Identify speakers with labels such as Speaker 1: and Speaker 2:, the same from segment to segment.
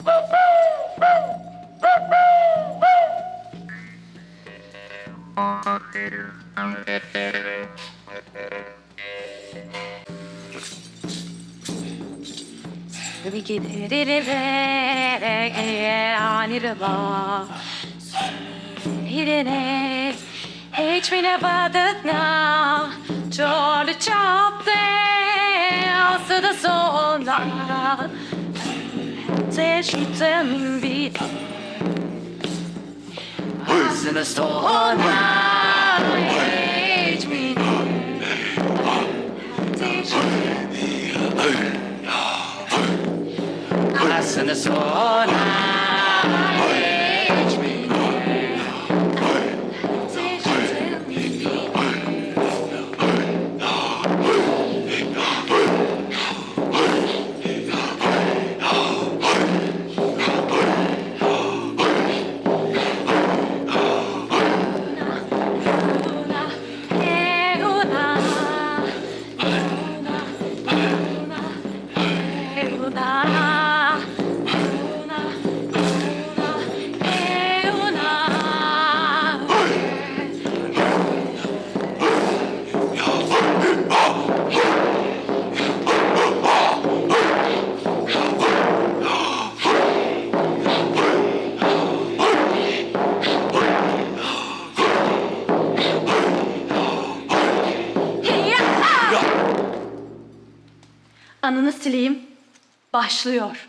Speaker 1: Hiç mi ne badetna Çorlu çapte Asıda sonra Teşhite min vid Asıda sonra Hiç mi Teşhite Asıda sonra Hiç mi Anını sileyim. Başlıyor.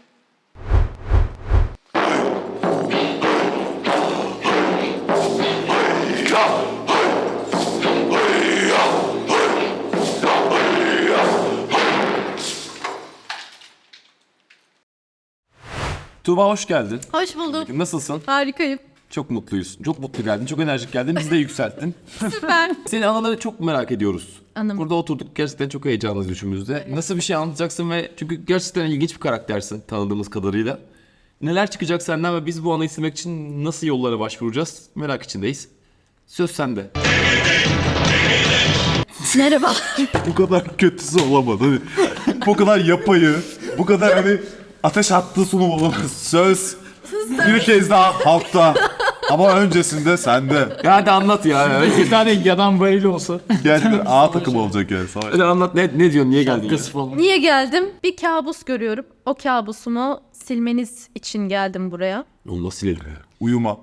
Speaker 2: Tuğba hoş geldin.
Speaker 3: Hoş bulduk.
Speaker 2: Nasılsın?
Speaker 3: Harikayım.
Speaker 2: Çok mutluyuz. Çok mutlu geldin. Çok enerjik geldin. Bizi de yükselttin.
Speaker 3: Süper.
Speaker 2: Senin anıları çok merak ediyoruz.
Speaker 3: Anım.
Speaker 2: Burada oturduk. Gerçekten çok heyecanlıyız üçümüzde. Nasıl bir şey anlatacaksın ve çünkü gerçekten ilginç bir karaktersin tanıdığımız kadarıyla. Neler çıkacak senden ve biz bu anı istemek için nasıl yollara başvuracağız? Merak içindeyiz. Söz sende.
Speaker 3: Merhaba.
Speaker 4: Bu kadar kötüsü olamadı. Hani bu kadar yapayı, bu kadar hani ateş attığı sunum olamaz. Söz bir kez daha halkta. Ama öncesinde sende.
Speaker 2: Ya hadi anlat ya.
Speaker 5: Bir tane yanan varili olsa.
Speaker 4: Gerçekten A takımı olacak yani.
Speaker 2: Hadi anlat ne diyorsun? Niye geldin ya?
Speaker 5: Kız falan.
Speaker 3: Niye geldim? Bir kabus görüyorum. O kabusumu silmeniz için geldim buraya.
Speaker 2: Onu nasıl silelim?
Speaker 4: Uyuma.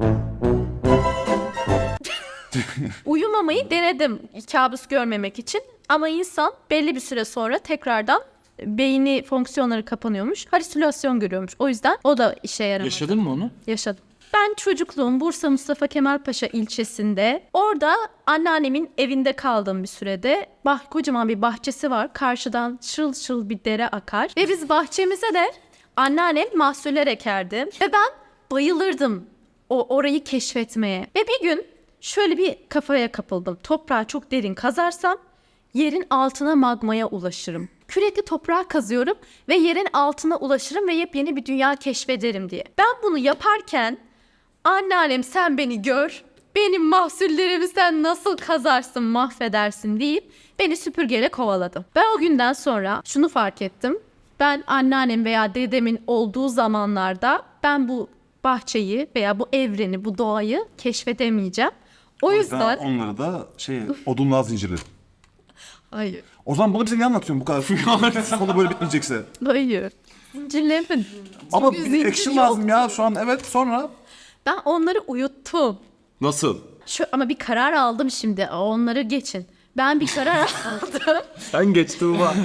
Speaker 3: Uyumamayı denedim kabus görmemek için. Ama insan belli bir süre sonra tekrardan beyni fonksiyonları kapanıyormuş. Halüsinasyon görüyormuş. O yüzden o da işe yaramadı.
Speaker 5: Yaşadın mı onu?
Speaker 3: Yaşadım. Ben çocukluğum Bursa Mustafa Kemal Paşa ilçesinde. Orada anneannemin evinde kaldım bir sürede. Kocaman bir bahçesi var. Karşıdan şıl şıl bir dere akar. Ve biz bahçemize de anneannem mahsuller ekerdi. Ve ben bayılırdım orayı keşfetmeye. Ve bir gün şöyle bir kafaya kapıldım. Toprağı çok derin kazarsam yerin altına magmaya ulaşırım. Kürekli toprağı kazıyorum ve yerin altına ulaşırım ve yepyeni bir dünya keşfederim diye. Ben bunu yaparken anneannem sen beni gör, benim mahsullerimi sen nasıl kazarsın, mahvedersin deyip beni süpürgeyle kovaladı. Ben o günden sonra şunu fark ettim. Ben anneannem veya dedemin olduğu zamanlarda ben bu bahçeyi veya bu evreni, bu doğayı keşfedemeyeceğim. O yüzden...
Speaker 4: Onları da odunluğa zincirli.
Speaker 3: Hayır.
Speaker 4: O zaman bunu bize niye anlatıyorsun bu kadar? Konu böyle bitmeyecekse.
Speaker 3: Hayır. Zincirlemedim.
Speaker 4: Ama
Speaker 3: Çünkü
Speaker 4: bir
Speaker 3: zincir
Speaker 4: action
Speaker 3: yok.
Speaker 4: lazım ya şu an. Evet, sonra.
Speaker 3: Ben onları uyuttum.
Speaker 2: Nasıl?
Speaker 3: Ama bir karar aldım şimdi. Onları geçin. Ben bir karar aldım.
Speaker 2: Sen geç Tuğba.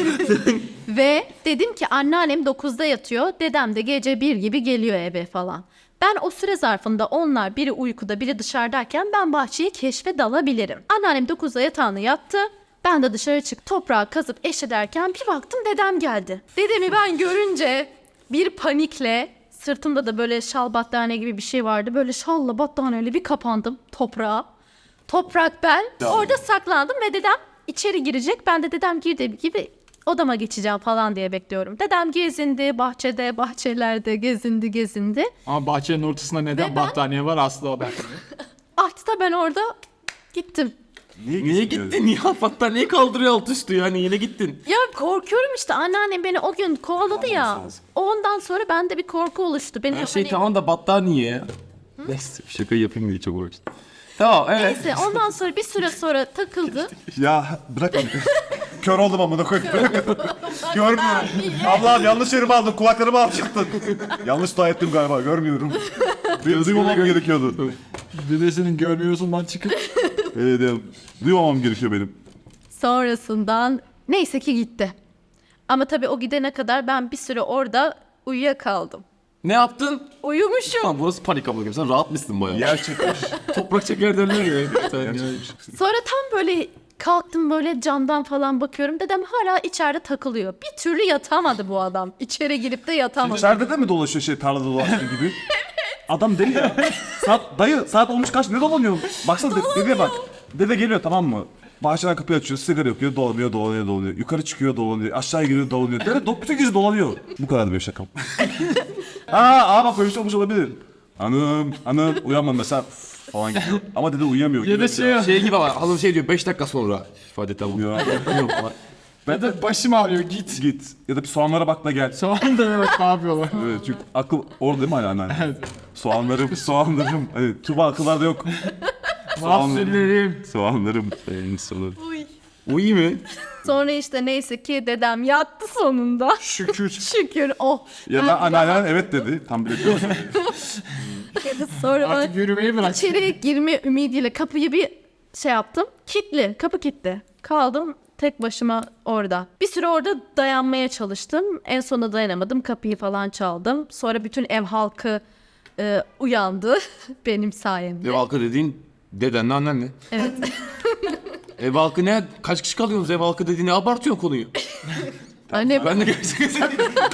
Speaker 3: Ve dedim ki anneannem 9'da yatıyor. Dedem de gece 1 gibi geliyor eve falan. Ben o süre zarfında onlar biri uykuda biri dışarıdayken ben bahçeyi keşfe dalabilirim. Anneannem 9'da yatağına yattı. Ben de dışarı çık toprağı kazıp eşederken bir baktım dedem geldi. Dedemi ben görünce bir panikle sırtımda da böyle şal battaniye gibi bir şey vardı. Böyle şalla battaniyeyle bir kapandım toprağa. Toprak ben. Orada saklandım ve dedem içeri girecek. Ben de dedem girdiği gibi odama geçeceğim falan diye bekliyorum. Dedem gezindi bahçede, bahçelerde gezindi.
Speaker 5: Ama bahçenin ortasında neden
Speaker 3: Ve ben-
Speaker 5: battaniye var asla ben.
Speaker 3: Artık da ben orada gittim.
Speaker 2: Niye gittin ya? Battaniye kaldırıyor alt üstü yani yine gittin.
Speaker 3: Ya korkuyorum işte, anneannem beni o gün kovaladı ya. Ondan sonra bende bir korku oluştu. Beni
Speaker 2: Her şey
Speaker 3: hani-
Speaker 2: tamam da battaniye ya. Neyse şaka yapayım diye çok uğraştım. Tamam evet.
Speaker 3: Neyse ondan sonra bir süre sonra takıldı.
Speaker 4: Ya bırakın. Kör oldum amına koyayım. Görmüyorum. Allah'ım yanlış yerime aldım. Kulaklarımı alacaktın. Yanlış dua ettim galiba. Görmüyorum. Duymamam gerekiyordu.
Speaker 5: Dedesinin görmüyorsun lan çıkıp.
Speaker 4: Evet. Duymamam gerekiyor benim.
Speaker 3: Sonrasından neyse ki gitti. Ama tabii o gidene kadar ben bir süre orada uyuyakaldım.
Speaker 2: Ne yaptın?
Speaker 3: Uyumuşum.
Speaker 2: Tamam burası panik abla gibi. Sen rahat mısın bayağı?
Speaker 4: Yer çekmiş.
Speaker 2: Toprak çeker derler ya. Sen ya.
Speaker 3: Sonra tam böyle kalktım, böyle camdan falan bakıyorum. Dedem hala içeride takılıyor. Bir türlü yatamadı bu adam. İçeri girip de yatamadı.
Speaker 4: İçeride de mi dolaşıyor tarlada dolaştığı gibi? Adam deli ya. Saat olmuş kaç? Ne dolanıyor? Baksana dedeye bak. Dede geliyor tamam mı? Bahçeden kapıyı açıyor, sigara yakıyor, dolanıyor. Yukarı çıkıyor, dolanıyor. Aşağı giriyor, dolanıyor. Dede bütün gece dolanıyor. Bu kadardı benim şakam. Bak böyle bir şey olmuş olabilir. Hanım, uyanma mesela falan gidiyor. Ama dede uyuyamıyor.
Speaker 5: Ya da
Speaker 2: Şey gibi ama hanım şey diyor 5 dakika sonra ifade tabi.
Speaker 5: Ben de başım ağrıyor git.
Speaker 4: Git. Ya da bir soğanlara bak da gel.
Speaker 5: Soğan da evet ne yapıyorlar?
Speaker 4: Evet çünkü akıl orada değil mi hala anneanne? Evet. Soğanlarım. Evet, Tuba akıllarda yok.
Speaker 5: Mahsullerim.
Speaker 4: Soğanlarım.
Speaker 2: Uyu mu?
Speaker 3: Sonra işte neyse ki dedem yattı sonunda.
Speaker 4: Şükür.
Speaker 3: Şükür oh.
Speaker 4: Ya da anneannen evet dedi. Tam bilemiyorum.
Speaker 3: Sonra
Speaker 5: Artık yürümeyi bırak.
Speaker 3: içeriye girme ümidiyle kapıyı bir şey yaptım. Kapı kilitli. Kaldım tek başıma orada. Bir süre orada dayanmaya çalıştım. En sonunda dayanamadım. Kapıyı falan çaldım. Sonra bütün ev halkı uyandı benim sayemde.
Speaker 2: Ev halkı dediğin dedenle annenle.
Speaker 3: Evet.
Speaker 2: Ev halkı ne? Kaç kişi kalıyorsunuz ev halkı dediğini abartıyorsun konuyu.
Speaker 3: Annem,
Speaker 2: Ben de gerçekten.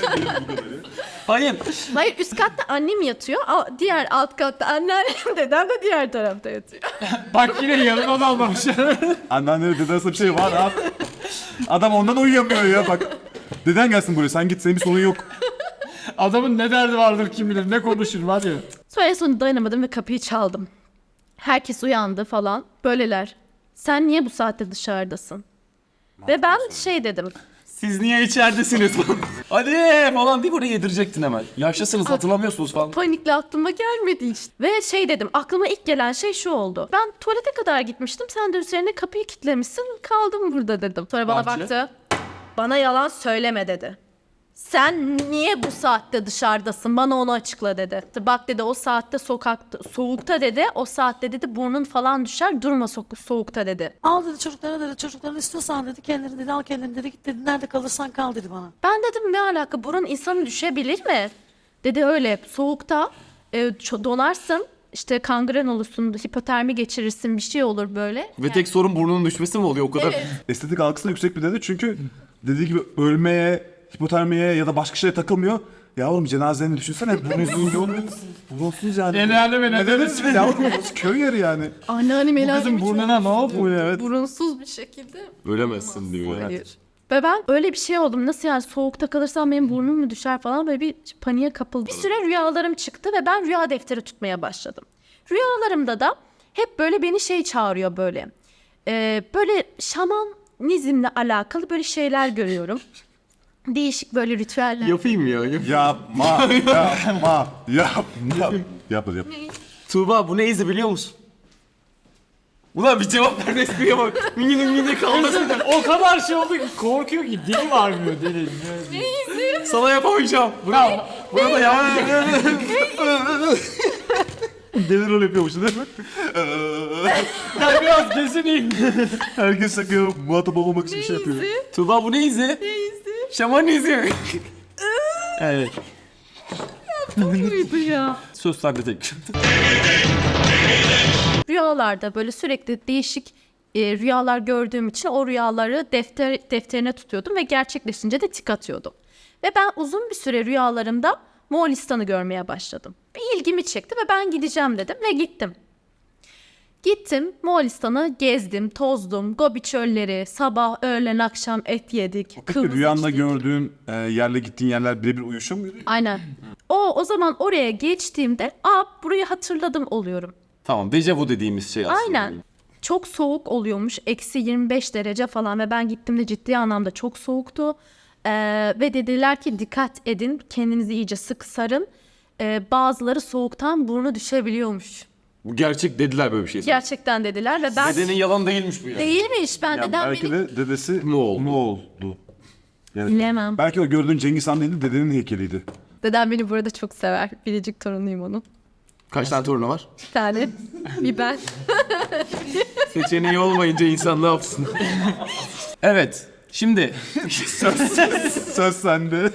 Speaker 2: Hayır.
Speaker 3: hayır üst katta annem yatıyor. Diğer alt katta anneannem, dedem de diğer tarafta yatıyor.
Speaker 5: Bak yine yanına dalmamış.
Speaker 4: Anneanne dede arasında bir şey var abi. Adam ondan uyuyamıyor ya bak. Deden gelsin buraya sen git senin bir sorun yok.
Speaker 5: Adamın ne derdi vardır kim bilir, ne konuşur var ya.
Speaker 3: Sonra en sonunda dayanamadım ve kapıyı çaldım. Herkes uyandı falan. Böyleler. Sen niye bu saatte dışarıdasın? Ve ben şey dedim.
Speaker 2: Siz niye içeridesiniz? Hadi falan deyip oraya yedirecektin hemen. Yaşlısınız hatırlamıyorsunuz falan.
Speaker 3: Panikle aklıma gelmedi işte. Ve şey dedim, aklıma ilk gelen şey şu oldu. Ben tuvalete kadar gitmiştim, sen de üzerine kapıyı kilitlemişsin, kaldım burada dedim. Sonra bana
Speaker 2: Bahçe.
Speaker 3: baktı, bana yalan söyleme dedi. Sen niye bu saatte dışarıdasın, bana onu açıkla dedi. Bak dedi, o saatte sokakta, soğukta dedi, o saatte dedi burnun falan düşer, durma soğukta dedi.
Speaker 6: Al dedi çocuklara, dedi çocukların istiyorsan dedi kendini dedi al kendini dedi git dedi nerede kalırsan kal dedi bana.
Speaker 3: Ben dedim ne alaka, burun insanı düşebilir mi? Dedi öyle soğukta donarsın, işte kangren olursun, hipotermi geçirirsin, bir şey olur böyle.
Speaker 2: Ve tek sorun burnunun düşmesi mi oluyor o kadar?
Speaker 4: Estetik algısı da yüksek bir dede çünkü dediği gibi ölmeye, hipotermiye ya da başka şeye takılmıyor. Yavrum cenazeni düşünsene burunsuz yani.
Speaker 5: Genelde mi ne
Speaker 4: dediniz mi yavrum burası köy yeri yani.
Speaker 3: Anneannem el
Speaker 5: Kızım burnuna ne oldu?
Speaker 4: Bu evet.
Speaker 3: burunsuz bir şekilde.
Speaker 2: Ölemezsin diyor.
Speaker 3: Hayır. Ve ben öyle bir şey oldum. Nasıl yani, soğukta kalırsam benim burnum mu düşer falan, böyle bir paniğe kapıldım. Bir süre rüyalarım çıktı ve ben rüya defteri tutmaya başladım. Rüyalarımda da hep böyle beni şey çağırıyor böyle. Böyle şamanizmle alakalı böyle şeyler görüyorum. Değişik böyle ritüeller.
Speaker 2: Yapayım ya.
Speaker 4: Yapma. Yap.
Speaker 2: Tuğba bu ne izi biliyor musun? Ulan bir cevap ver espriye bak. Mini kalmasın.
Speaker 5: O kadar şey oldu ki korkuyor ki dili varmıyor dili.
Speaker 2: Sana yapamayacağım. Burada ya.
Speaker 4: Deli rol yapıyormuş değil mi?
Speaker 5: Ben biraz kesineyim.
Speaker 4: Herkes sakıyor muhatap olmamak için bir şey yapıyor.
Speaker 2: Tuğba bu ne izi? Ne izi? Şaman izi. Evet.
Speaker 3: Buydu ya.
Speaker 2: Söz sende tek.
Speaker 3: Rüyalarda böyle sürekli değişik rüyalar gördüğüm için o rüyaları defterine tutuyordum ve gerçekleşince de tik atıyordum. Ve ben uzun bir süre rüyalarımda Moğolistan'ı görmeye başladım. Bir ilgimi çekti ve ben gideceğim dedim ve gittim. Gittim Moğolistan'ı gezdim, tozdum, Gobi çölleri, sabah, öğlen, akşam et yedik.
Speaker 4: Peki
Speaker 3: kırmızı
Speaker 4: rüyanda
Speaker 3: içtik.
Speaker 4: gördüğün yerle gittiğin yerler birebir uyuşuyor muydu?
Speaker 3: Aynen. O zaman oraya geçtiğimde burayı hatırladım oluyorum.
Speaker 2: Tamam dejavu dediğimiz şey aslında.
Speaker 3: Aynen. çok soğuk oluyormuş. Eksi 25 derece falan ve ben gittiğimde ciddi anlamda çok soğuktu. Ve dediler ki dikkat edin, kendinizi iyice sık sarın. Bazıları soğuktan burnu düşebiliyormuş.
Speaker 2: Bu gerçek dediler böyle bir şey.
Speaker 3: Gerçekten dediler ve ben...
Speaker 2: Dedenin yalan değilmiş bu yani.
Speaker 3: Değilmiş, ben
Speaker 4: Yani
Speaker 3: dedem
Speaker 4: belki
Speaker 3: beni...
Speaker 4: de dedesi
Speaker 2: Moğol.
Speaker 4: Moğol'du. Yani
Speaker 3: Bilemem.
Speaker 4: belki o gördüğün Cengiz Han değildi, dedenin heykeliydi.
Speaker 3: Dedem beni burada çok sever. Biricik torunuyum onun.
Speaker 2: Kaç tane torunu var?
Speaker 3: Bir tane. Bir ben.
Speaker 2: Seçeneği olmayınca insan ne yapsın? Evet. Şimdi
Speaker 4: Söz sende.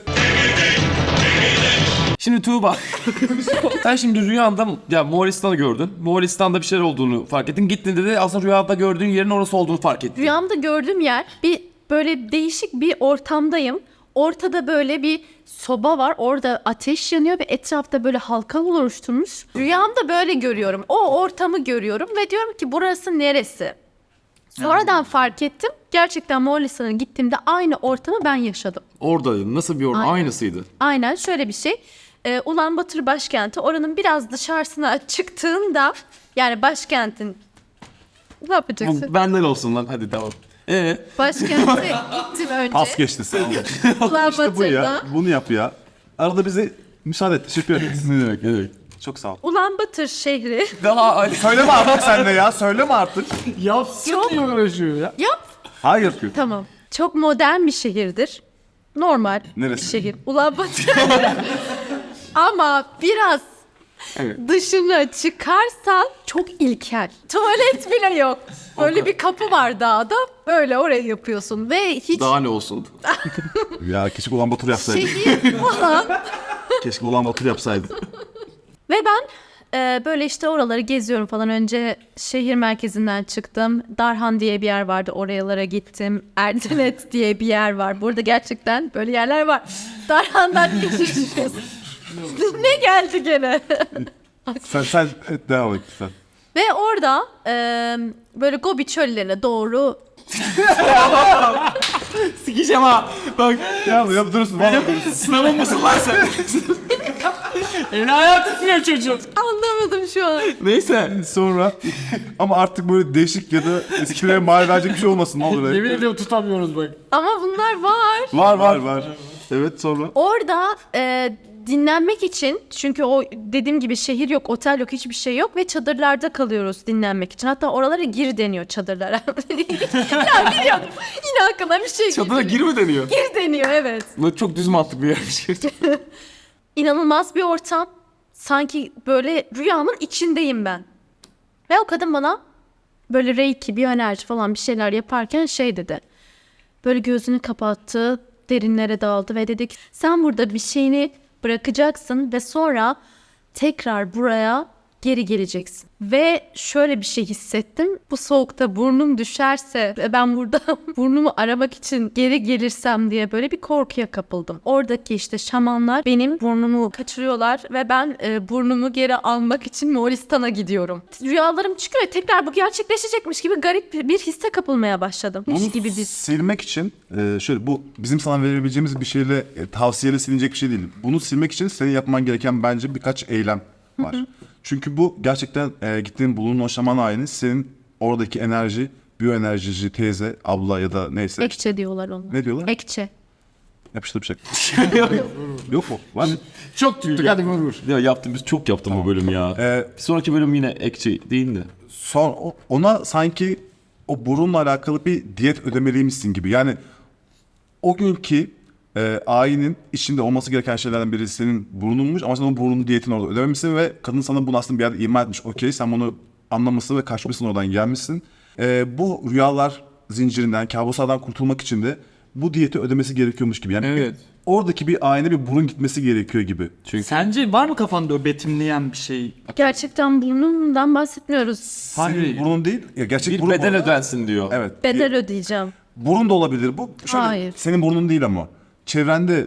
Speaker 2: Şimdi Tuğba. Sen şimdi rüyanda ya Moğolistan'ı gördün. Moğolistan'da bir şeyler olduğunu fark ettin. Gittiğinde de aslında rüyada gördüğün yerin orası olduğunu fark ettin.
Speaker 3: Rüyamda gördüğüm yer bir böyle değişik bir ortamdayım. Ortada böyle bir soba var. Orada ateş yanıyor ve etrafta böyle halkalar oluşturmuş. Rüyamda böyle görüyorum. O ortamı görüyorum ve diyorum ki burası neresi? Sonradan fark ettim. Gerçekten Moğolistan'a gittiğimde aynı ortamı ben yaşadım.
Speaker 2: Orada nasıl bir ortam?
Speaker 3: Aynen.
Speaker 2: Aynısıydı.
Speaker 3: Aynen şöyle bir şey. Ulanbator başkenti, oranın biraz dışarısına çıktığında, yani başkentin, ne yapacaksın?
Speaker 2: Bu benden olsun lan, hadi devam.
Speaker 3: Başkente gittim önce.
Speaker 4: Pas geçti sağ ol. Bu
Speaker 3: Ulanbator'da.
Speaker 4: ya. Bunu yap ya. Arada bize müsaade et. Teşekkür ederiz.
Speaker 2: Ne demek, ne demek?
Speaker 4: Çok sağ ol.
Speaker 3: Ulanbator şehri.
Speaker 2: Daha
Speaker 4: Söyleme artık sen de ya. Söyleme artık.
Speaker 5: Yapsın
Speaker 3: Yok.
Speaker 5: diye uğraşıyor ya.
Speaker 3: Yap.
Speaker 4: Hayır.
Speaker 3: Tamam. Çok modern bir şehirdir. Normal
Speaker 4: Neresi?
Speaker 3: bir şehir. Ulanbator. Ama biraz dışına çıkarsan çok ilkel. Tuvalet bile yok. Böyle bir kapı var dağda. Böyle oraya yapıyorsun ve hiç
Speaker 2: daha ne olsun?
Speaker 4: Ya keşke Ulanbator yapsaydı.
Speaker 3: şehir falan.
Speaker 4: Keşke Ulanbator yapsaydı.
Speaker 3: Ve ben böyle işte oraları geziyorum falan. Önce şehir merkezinden çıktım. Darhan diye bir yer vardı. Oralara gittim. Erdenet diye bir yer var. Burada gerçekten böyle yerler var. Darhan'dan ne düşünüyorsun? Ne geldi gene?
Speaker 4: sen devam et sen.
Speaker 3: Ve orada böyle Gobi çöllerine doğru
Speaker 2: Sikeceğim ha. Bak.
Speaker 4: Ya durursun. Vallahi.
Speaker 2: Sınavın mısın lan sen?
Speaker 5: Hayatı tutuyor çocuk.
Speaker 3: anlamadım şu an.
Speaker 2: Neyse.
Speaker 4: Sonra ama artık böyle değişik ya da eskilere mal verecek bir şey olmasın. Ne olur
Speaker 5: Yemin
Speaker 4: öyle.
Speaker 5: ediyorum tutamıyoruz bak.
Speaker 3: Ama bunlar var.
Speaker 4: Var. Evet sonra.
Speaker 3: Orada dinlenmek için, çünkü o dediğim gibi şehir yok, otel yok, hiçbir şey yok ve çadırlarda kalıyoruz dinlenmek için. Hatta oralara gir deniyor, çadırlara. Ya biliyorum. Yine aklıma bir şey
Speaker 2: Çadıra gir mi deniyor?
Speaker 3: Gir deniyor, evet.
Speaker 2: Bu çok düz mantık bir yermiş.
Speaker 3: İnanılmaz bir ortam. Sanki böyle rüyamın içindeyim ben. Ve o kadın bana böyle reiki, biyoenerji falan bir şeyler yaparken şey dedi. Böyle gözünü kapattı, derinlere daldı ve dedi ki sen burada bir şeyini bırakacaksın ve sonra tekrar buraya geri geleceksin. Ve şöyle bir şey hissettim. Bu soğukta burnum düşerse ve ben burada burnumu aramak için geri gelirsem diye böyle bir korkuya kapıldım. Oradaki işte şamanlar benim burnumu kaçırıyorlar ve ben burnumu geri almak için Moğolistan'a gidiyorum. Rüyalarım çıkıyor ve tekrar bu gerçekleşecekmiş gibi garip bir hisse kapılmaya başladım. Hiç gibi bir...
Speaker 4: silmek için şöyle bu bizim sana verebileceğimiz bir şeyle tavsiyeyle silinecek bir şey değil. Bunu silmek için senin yapman gereken bence birkaç eylem var. Çünkü bu gerçekten gittiğin bulunduğun o şaman ayini senin oradaki enerji, biyoenerjici teyze, abla ya da neyse.
Speaker 3: Ekçe diyorlar ona.
Speaker 4: Ne diyorlar?
Speaker 3: Ekçe.
Speaker 4: Yapıştır bıçak. Yok mu? Var mı?
Speaker 5: Çok tüylü. Hadi vur.
Speaker 2: Ya yaptım, biz çok yaptım bu bölüm ya. Bir sonraki bölüm yine ekçi değil de.
Speaker 4: Ona sanki o burunla alakalı bir diyet ödemeliymişsin gibi. Yani o günkü ayinin içinde olması gereken şeylerden biri senin burnunmuş ama sen o burnun diyetini orada ödememişsin ve kadın sana bunu aslında bir yerde ima etmiş. Okey, sen bunu anlamışsın ve kaçmışsın, oradan gelmişsin. Bu rüyalar zincirinden, kabuslardan kurtulmak için de bu diyeti ödemesi gerekiyormuş gibi. Yani
Speaker 2: Evet.
Speaker 4: oradaki bir ayine bir burun gitmesi gerekiyor gibi.
Speaker 5: Sence var mı kafanda o betimleyen bir şey?
Speaker 3: Gerçekten burnumdan bahsetmiyoruz.
Speaker 4: Senin burnun değil, ya gerçek
Speaker 2: Bir
Speaker 4: burun
Speaker 2: bedel
Speaker 4: orada.
Speaker 2: ödensin diyor.
Speaker 4: Evet.
Speaker 3: Bedel ödeyeceğim.
Speaker 4: Burun da olabilir bu. Şöyle,
Speaker 3: Hayır.
Speaker 4: senin burnun değil ama. Çevrende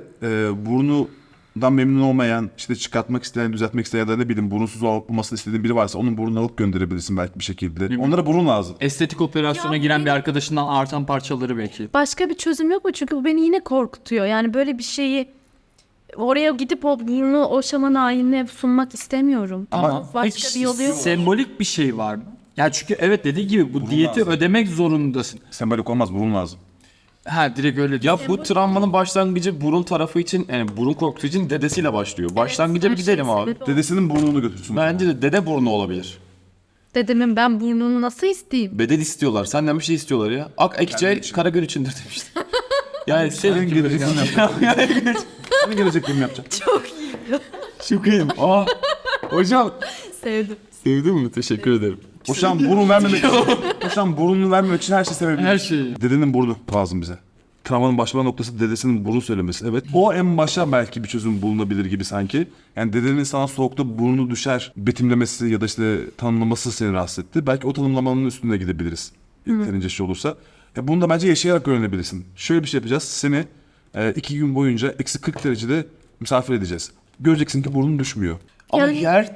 Speaker 4: burnundan memnun olmayan, işte çıkartmak isteyen, düzeltmek isteyen ya da ne bileyim burunsuz olmasını istediğin biri varsa onun burnunu alıp gönderebilirsin belki bir şekilde. Onlara burun lazım.
Speaker 5: Estetik operasyona giren bir arkadaşından artan parçaları belki.
Speaker 3: Başka bir çözüm yok mu? Çünkü bu beni yine korkutuyor. Yani böyle bir şeyi oraya gidip o burnu o şaman ayinine sunmak istemiyorum.
Speaker 5: Ama
Speaker 3: Başka bir yolu yok.
Speaker 5: Sembolik bir şey var mı? Ya çünkü evet dediği gibi bu diyeti
Speaker 4: lazım.
Speaker 5: ödemek zorundasın.
Speaker 4: Sembolik olmaz, burun lazım.
Speaker 5: Ha direkt öyle
Speaker 2: Ya bu travmanın başlangıcı burun tarafı için, yani burun korkusu için dedesiyle başlıyor. Başlangıca bir gidelim abi.
Speaker 4: Dedesinin burnunu götürsün.
Speaker 2: Bence de dede burnu olabilir.
Speaker 3: Dedemin ben burnunu nasıl isteyeyim?
Speaker 2: Bedel istiyorlar. Senden bir şey istiyorlar ya. Ak ekçe Karagöl içindir demişti. Yani senin gibi.
Speaker 4: gelecek film Hani gelecek film yapacaksın?
Speaker 2: Çok iyiyim. Aa, hocam.
Speaker 3: Sevdim.
Speaker 2: Sevdin mi? Teşekkür ederim.
Speaker 4: O şu an burun vermemek için, o şu an burnunu vermemek için her şey sebebiyle.
Speaker 5: Her şeyi.
Speaker 4: Dedenin burnu lazım bize. Travmanın başlama noktası dedesinin burun söylemesi. Evet. O en başa belki bir çözüm bulunabilir gibi sanki. Yani dedenin sana soğukta burnu düşer betimlemesi ya da işte tanımlaması seni rahatsız etti. Belki o tanımlamanın üstünde gidebiliriz. Yeterince şey olursa. Ya bunu da bence yaşayarak öğrenebilirsin. Şöyle bir şey yapacağız. Seni 2 gün boyunca eksi 40 derecede misafir edeceğiz. Göreceksin ki burnun düşmüyor.
Speaker 2: Ama
Speaker 3: Yani-
Speaker 2: her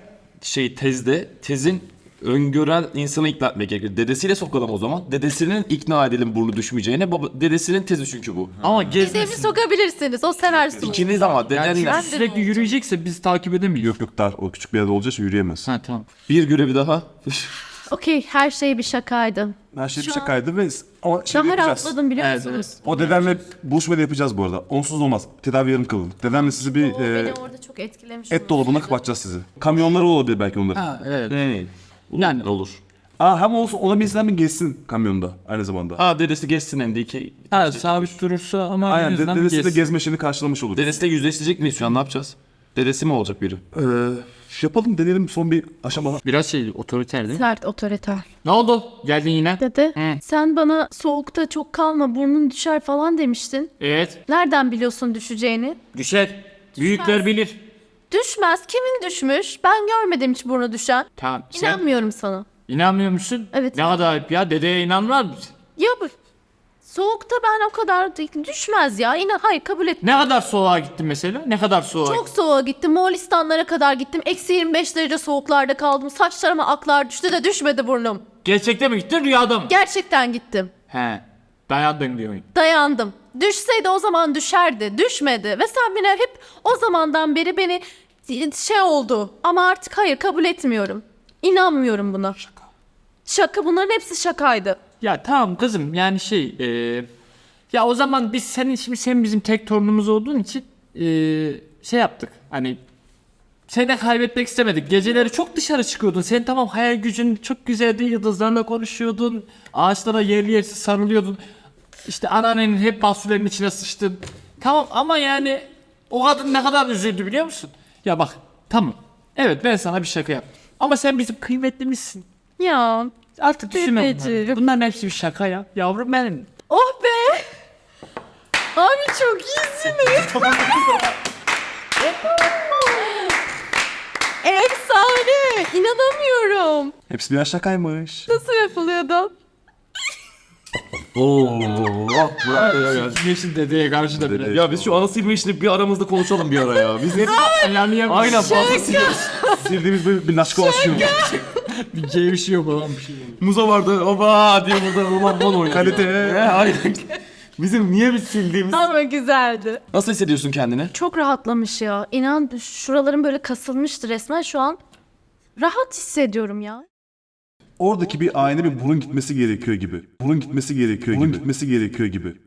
Speaker 2: tezin öngören insanı ikna etmek gerekir. Dedesiyle sokalım o zaman. Dedesinin ikna edelim burnu düşmeyeceğine. Dedesinin tezi çünkü bu.
Speaker 5: Ama
Speaker 3: Dedemi
Speaker 5: gezmesin.
Speaker 3: sokabilirsiniz. O sever soğuk.
Speaker 2: İkiniz ama
Speaker 5: Yani
Speaker 2: dedenle.
Speaker 5: çünkü sürekli yürüyecekse biz takip edemeyiz.
Speaker 4: Yok dar. O küçük bir yerde olacak yürüyemez.
Speaker 5: Ha tamam.
Speaker 2: Bir görevi daha.
Speaker 3: Okey, her şey bir şakaydı.
Speaker 4: Her şey bir şakaydı ve ama
Speaker 3: Şu an
Speaker 4: yapacağız.
Speaker 3: rahatladım biliyor
Speaker 5: Evet,
Speaker 3: musunuz?
Speaker 4: O dedenle buluşmayı da yapacağız bu arada. Onsuz olmaz. Tedavi yarım kılınır. Dedenle sizi bir
Speaker 3: Beni orada çok etkilemiş.
Speaker 4: et dolabına kapatacağız sizi. Kamyonları olabilir belki onların.
Speaker 5: Ha evet.
Speaker 2: Yani olur.
Speaker 4: Hem olsun ona bir insan bir geçsin kamyonda aynı zamanda.
Speaker 2: Ha dedesi geçsin hem de iki.
Speaker 5: Ha sabit durursa ama
Speaker 4: Aynen
Speaker 5: yüzünden bir
Speaker 4: dedesi de
Speaker 5: gezsin.
Speaker 4: gezme işini karşılamış olur.
Speaker 2: Dedesiyle yüzleştirecek miyiz şu an, ne yapacağız? Dedesi mi olacak biri?
Speaker 4: Yapalım deneyelim son bir aşama.
Speaker 5: Biraz şey otoriter değil mi?
Speaker 3: Sert, otoriter.
Speaker 5: Ne oldu? Geldin yine.
Speaker 3: Dede,
Speaker 5: Hı.
Speaker 3: sen bana soğukta çok kalma, burnun düşer falan demiştin.
Speaker 5: Evet.
Speaker 3: Nereden biliyorsun düşeceğini?
Speaker 5: Düşer. Büyükler bilir.
Speaker 3: Düşmez. Kimin düşmüş? Ben görmedim hiç burnu düşen.
Speaker 5: Tamam. Sen
Speaker 3: İnanmıyorum sana.
Speaker 5: inanmıyor musun?
Speaker 3: Evet.
Speaker 5: Ne kadar ayıp ya. Dedeye inanmaz mısın?
Speaker 3: Ya bu soğukta ben o kadar düşmez ya. Hayır, kabul et.
Speaker 5: Ne kadar soğuğa gittin mesela? Ne kadar soğuğa
Speaker 3: Çok soğuğa gittim. Moğolistanlara kadar gittim. Eksi 25 derece soğuklarda kaldım. Saçlarıma aklar düştü de düşmedi burnum.
Speaker 5: Gerçekte mi gittin rüyada mı?
Speaker 3: Gerçekten gittim.
Speaker 5: He. Dayandın diyorsun.
Speaker 3: Dayandım. Düşseydi o zaman düşerdi. Düşmedi. Ve sen beni hep o zamandan beri beni şey oldu. Ama artık hayır, kabul etmiyorum. İnanmıyorum buna. Şaka. Bunların hepsi şakaydı.
Speaker 5: Ya tamam kızım yani ya o zaman biz sen bizim tek torunumuz olduğun için şey yaptık. Hani seni de kaybetmek istemedik. Geceleri çok dışarı çıkıyordun. Sen tamam hayal gücün çok güzeldi. Yıldızlarla konuşuyordun. Ağaçlara yerli yersiz sarılıyordun. İşte anneannenin hep mahsullerin içine sıçtın. Tamam ama yani o kadın ne kadar üzüldü biliyor musun? Ya bak tamam. Evet ben sana bir şaka yaptım. Ama sen bizim kıymetlimizsin.
Speaker 3: Ya.
Speaker 5: Artık düşünme bunları.
Speaker 3: Dedeciğim.
Speaker 5: Bunların hepsi bir şaka ya. Yavrum benim.
Speaker 3: Oh be. Abi çok iyisiniz. Efsane. İnanamıyorum.
Speaker 4: Hepsi birer şakaymış.
Speaker 3: Nasıl yapılıyordu?
Speaker 5: Geçin dedeye karşı da bile.
Speaker 2: Ya biz şu ana silme işini bir aramızda konuşalım bir ara ya. Biz hep aynen fazla siliyoruz.
Speaker 4: Sildiğimiz bir naşka ulaşıyor.
Speaker 5: bir gevşiyor falan bir şey.
Speaker 2: Muza vardı. Oba diye burada roman bol oynuyor.
Speaker 4: Kalite.
Speaker 2: Aynen. Bizim niye biz sildiğimiz?
Speaker 3: Ama güzeldi.
Speaker 2: Nasıl hissediyorsun kendini?
Speaker 3: Çok rahatlamış ya. İnan şuralarım böyle kasılmıştı resmen. Şu an rahat hissediyorum ya.
Speaker 4: Oradaki bir ayna bir burun gitmesi gerekiyor gibi. Burun gitmesi gerekiyor gibi. Burun gitmesi gerekiyor gibi.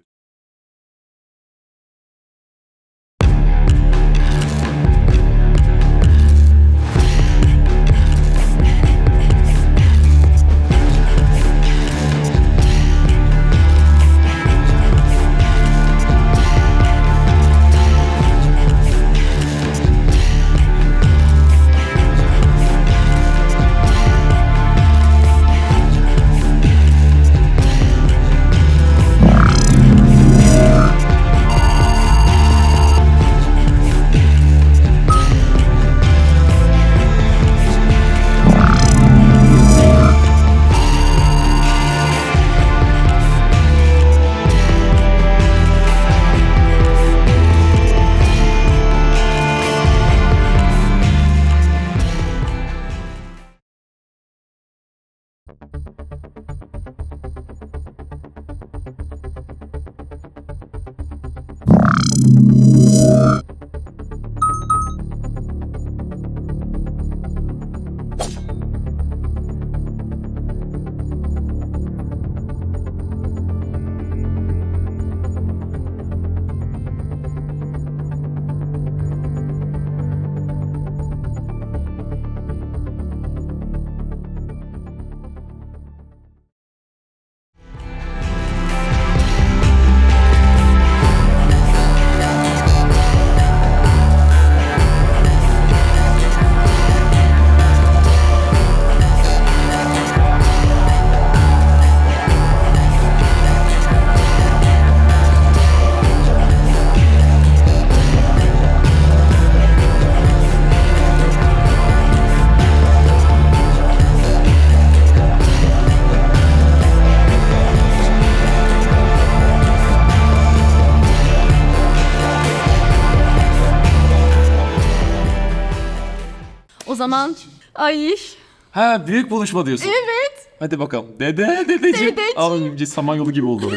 Speaker 3: O zaman ay
Speaker 2: Ha, büyük buluşma diyorsun.
Speaker 3: evet.
Speaker 2: Hadi bakalım. Dedeciğim.
Speaker 3: Dedeciğim.
Speaker 2: Abi Samanyolu gibi oldu.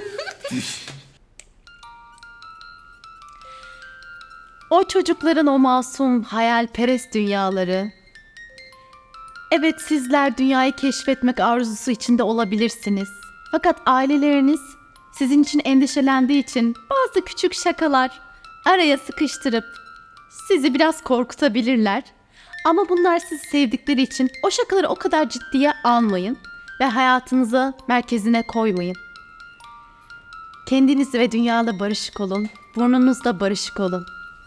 Speaker 3: O çocukların o masum hayalperest dünyaları. Evet, sizler dünyayı keşfetmek arzusu içinde olabilirsiniz. Fakat aileleriniz sizin için endişelendiği için bazı küçük şakalar araya sıkıştırıp sizi biraz korkutabilirler. Ama bunlar sizi sevdikleri için o şakaları o kadar ciddiye almayın ve hayatınıza merkezine koymayın. Kendiniz ve dünyayla barışık olun, burnunuzla barışık olun.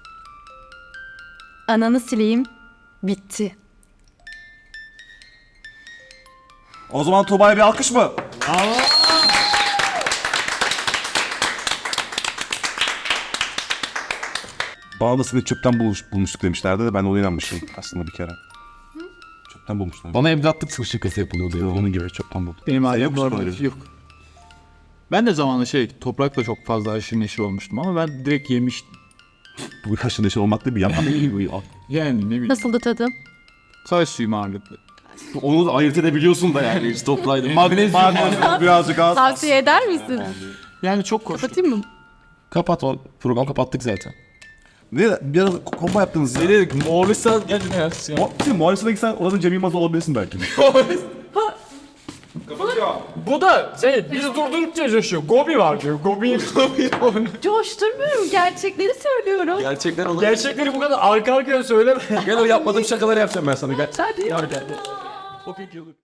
Speaker 3: Ananı sileyim, bitti.
Speaker 4: O zaman Tuğba'ya bir alkış mı? Bana da seni çöpten bulmuştuk demişlerdi de ben ona inanmıştım aslında bir kere. Çöpten bulmuşlar.
Speaker 2: Bana evlatlık şakası yapılıyordu ya.
Speaker 4: Onun gibi çöpten buldum.
Speaker 5: Benim
Speaker 4: Sen
Speaker 5: ailem
Speaker 4: yok musun
Speaker 5: normal.
Speaker 4: öyle?
Speaker 5: Yok. Ben de zamanında toprakla çok fazla aşırı neşir olmuştum ama ben direkt yemiştim.
Speaker 4: Bu haşır neşir olmak değil bir yalan.
Speaker 5: Yani ne bileyim.
Speaker 3: Nasıldı tadı?
Speaker 5: Çay suyum ağırlıklı.
Speaker 2: Onu da ayırt edebiliyorsun da yani. Hiç toplaydı. Magnezyum.
Speaker 4: Birazcık az.
Speaker 3: Tavsiye eder misin?
Speaker 5: Yani çok hoş.
Speaker 3: Kapatayım mı?
Speaker 2: Kapat o. Program kapattık zaten.
Speaker 4: Ne biraz komba yaptınız ya.
Speaker 2: Ne dedik? Moğolistan geldi ya.
Speaker 4: Muhalefetine gitsen orada Cem Yılmaz olabilirsin belki.
Speaker 5: Bu da bizi durdurup coşuyor. Gobi var diyor. Gobi.
Speaker 3: Coşturmuyorum, gerçekleri söylüyorum.
Speaker 2: Gerçekler olur.
Speaker 5: Gerçekleri bu kadar arka arkaya söyleme.
Speaker 2: Gel o yapmadığım şakaları yapacağım ben sana. Gel. Hadi. Gel. O peki olur.